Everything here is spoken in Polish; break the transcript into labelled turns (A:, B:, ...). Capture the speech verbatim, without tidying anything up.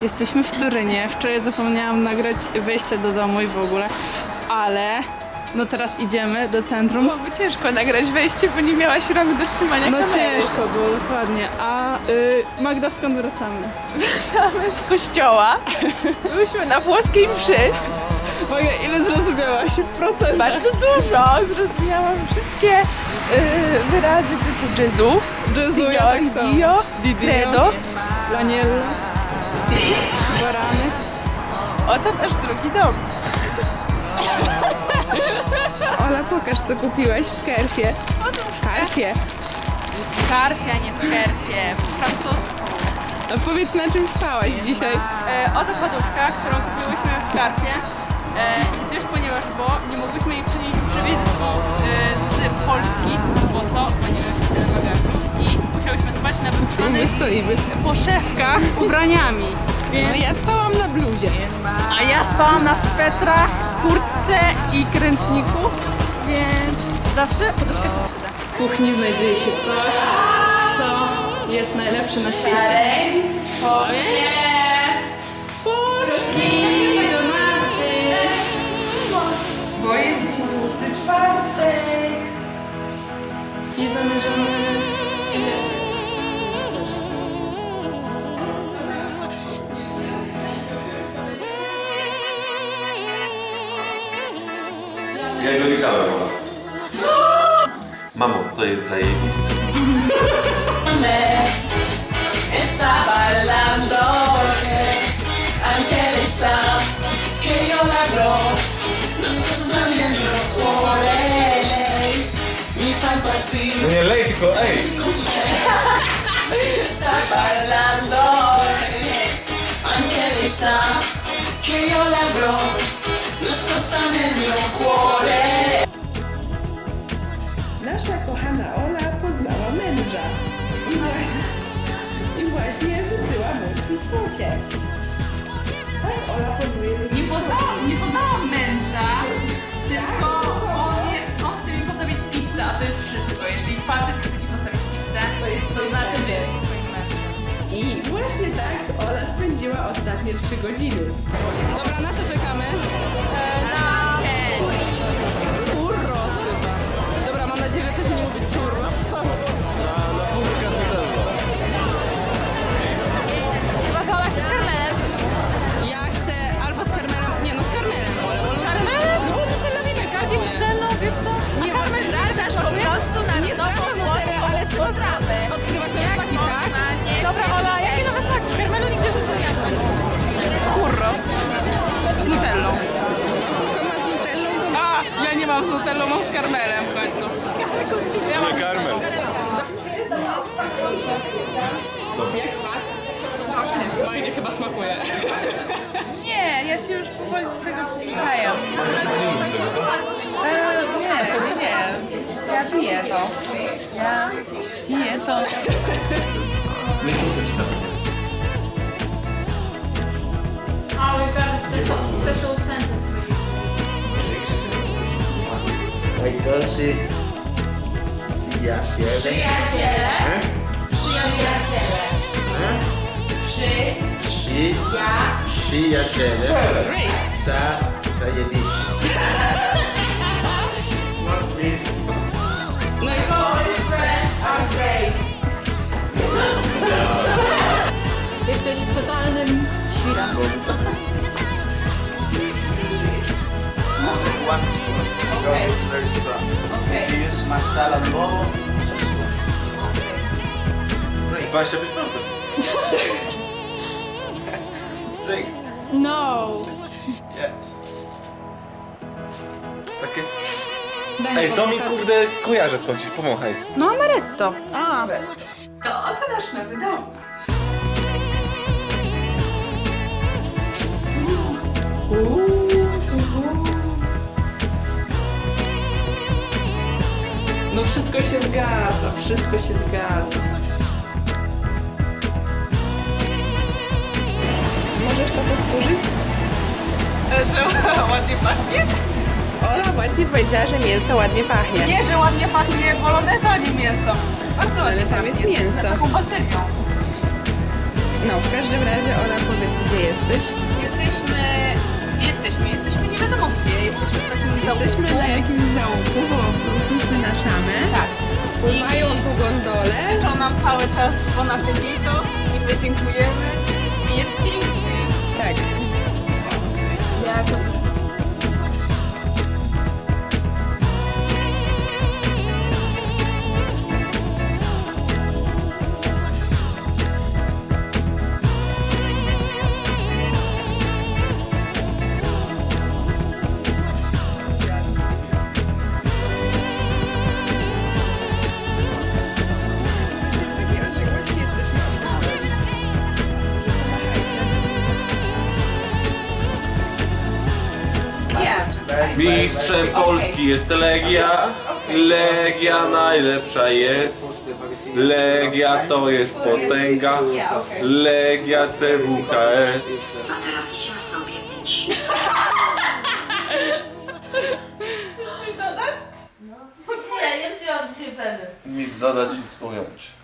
A: Jesteśmy w Turynie. Wczoraj zapomniałam nagrać wejście do domu i w ogóle, ale no teraz idziemy do centrum.
B: Byłoby ciężko nagrać wejście, bo nie miałaś rąk do trzymania
A: No
B: kamery.
A: ciężko było, dokładnie. A y, Magda, skąd wracamy?
B: Wracamy z kościoła. Byłyśmy na włoskiej mszy.
A: Magda, ile zrozumiałaś w procentach?
B: Bardzo dużo. Zrozumiałam wszystkie y, wyrazy typu Gesù,
A: Gesù, ja tak samo.
B: Dio,
A: Dio,
B: Credo.
A: Laniella, Barany.
B: Oto nasz drugi dom. Ola, pokaż, co kupiłaś w Kerfie. W Karfie.
C: W Karfie, a nie w Kerfie, po francusku.
B: A powiedz, na czym spałaś dzisiaj?
C: E, oto poduszka, którą kupiłyśmy w Karfie, e, gdyż ponieważ, bo nie mogłyśmy jej przynieść przywieźć ze sobą e, z Polski, bo co? Bo nie mieliśmy tyle bagażu i musiałyśmy spać na
B: My
C: wypchanych
B: stoimy.
C: poszewkach ubraniami. Więc,
B: No ja spałam na bluzie.
C: a ja spałam na swetrach, kurtce i kręczniku, więc zawsze poduszka się przyda.
A: W kuchni znajduje się coś, co jest najlepsze na świecie. A więc pączki, donaty.
B: Bo jest dziś tłusty czwartek.
A: I zamierzamy...
D: Ja go lizałem, mama. Mamo, to jest zajebiste.
E: Está bailando porque anche lei sa che io l'avrò nascosta nel mio cuore. Lei mi fa impazzire.
D: Nie lej, tylko ej!
E: Está bailando porque anche lei sa che io l'avrò nascosta nel mio cuore.
B: Nasza kochana Ola poznała męża. I właśnie, i właśnie wysyła mu swój kwocie. Tak, Ola pozwuje
C: Nie poznałam, nie poznałam męża, tylko on jest, on chce mi postawić pizzę, a to jest wszystko. Jeżeli facet chce ci postawić pizzę,
B: To jest
C: to
B: twoim
C: znaczy, że
B: mężem.
C: jest twoim mężem.
B: I właśnie tak Ola spędziła ostatnie trzy godziny.
A: Dobra, na co czekamy?
C: Na dzień.
A: Churros chyba. Dobra, mam nadzieję, że też nie mówię churros.
F: Chyba, że Ola chce z karmelem.
A: Ja chcę albo z karmelem, nie no z karmelem wolę. bo-
F: Z karmelem?
A: No bo Nutella mi
F: Ja gdzieś Nutello, wiesz co? A karmel wracasz po prostu na
A: Nie
F: nową
A: zwracam
F: włoską
A: Nutella, ale co
F: potrawę.
A: odkrywasz nowe smaki, tak?
F: Dobra, Ola, jakie nowe smaki? Karmelu nigdy w życiu nie jadłaś.
A: Churros. Z Nutellą. Kto ma z Nutellą? To... A, ja nie mam z Nutellą, mam z karmelem w końcu.
D: Nie karmel.
A: Jak smak? Magdzie chyba smakuje.
B: Nie, ja się już powoli do tego przyzwyczajam.
D: Nie lubisz tego, co?
B: E, nie, nie, nie. Ja dieto. Ja dieto.
D: Nie muszę ci tam.
C: Oh, we've got a special, special sentence for you.
G: Najgorszy przyjaciel.
C: Przyjaciele.
G: E?
C: Przyjaciele.
G: E?
C: Przy.
G: Przy,
C: Ja.
G: przyjaciele.
A: Great.
G: Za, zajebiście.
A: No i co?
C: Polish friends are great.
A: Jesteś totalnym świrem.
G: One spoon, because it's very strong. If you use masala bowl, just one.
D: dwadzieścia pięć procent.
G: Drink.
F: No.
G: Yes.
D: Takie...
A: Daj
D: Ej, to mi
A: powąchać.
D: kurde kojarzę skądś, pomachaj.
A: No amaretto.
F: A,
B: To oto nasz nowy dom.
A: No wszystko się zgadza, wszystko się zgadza.
B: Możesz to powtórzyć?
C: Że ładnie pachnie?
B: Ola właśnie powiedziała, że mięso ładnie pachnie.
C: Nie, że ładnie pachnie poloneza, a nie mięso. Bardzo ładnie
B: tam jest
C: pachnie.
B: mięso.
C: Taką bazylią.
B: No, w każdym razie Ola, powiedz, gdzie jesteś?
C: Jesteśmy... Gdzie jesteśmy? Jesteśmy nie wiadomo gdzie. Jesteśmy w takim
B: Jesteśmy
C: załuku.
B: na jakimś załuku, bo ruszyliśmy na szamę.
C: Tak.
B: Pływają tu gondole.
C: Krzyczą nam cały czas bon appetito i my dziękujemy. I jest pięknie.
B: Tak.
C: Ja to...
B: W takiej odległości jesteśmy od góry. Pomachajcie.
D: Mistrzem Polski jest Legia. Legia najlepsza jest. Legia to jest potęga. Legia C W K S.
H: A teraz idźmy sobie pić.
F: Nie, nie wzięłam dzisiaj weny.
D: Nic dodać, nic ująć.